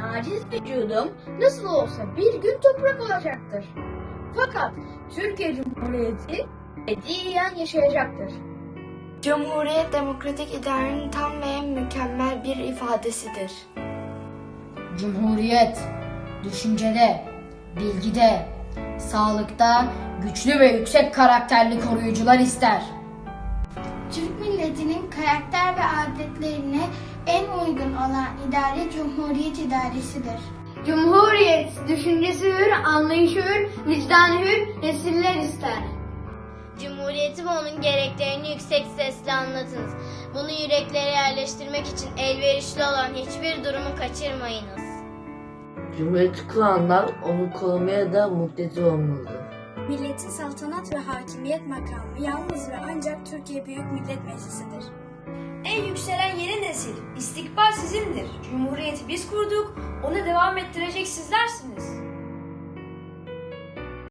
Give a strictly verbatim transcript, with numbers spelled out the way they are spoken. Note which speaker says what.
Speaker 1: aciz vücudum nasıl olsa bir gün toprak olacaktır. Fakat Türkiye Cumhuriyeti ebediyen yaşayacaktır.
Speaker 2: Cumhuriyet, demokratik idarenin tam ve mükemmel bir ifadesidir.
Speaker 3: Cumhuriyet, düşüncede, bilgide, sağlıkta güçlü ve yüksek karakterli koruyucular ister.
Speaker 4: Türk milletinin karakter ve adetlerine en uygun olan idare Cumhuriyet idaresidir.
Speaker 5: Cumhuriyet, düşüncesi hür, anlayışı hür, vicdanı hür, nesiller ister.
Speaker 6: Cumhuriyeti ve onun gereklerini yüksek sesle anlatınız. Bunu yüreklere yerleştirmek için elverişli olan hiçbir durumu kaçırmayınız.
Speaker 7: Cumhuriyeti kuranlar onu korumaya da muktedir olmalıdır.
Speaker 8: Milletin saltanat ve hakimiyet makamı yalnız ve ancak Türkiye Büyük Millet Meclisi'dir.
Speaker 9: En yükselen yeni nesil, istikbal sizindir. Cumhuriyeti biz kurduk, onu devam ettirecek sizlersiniz.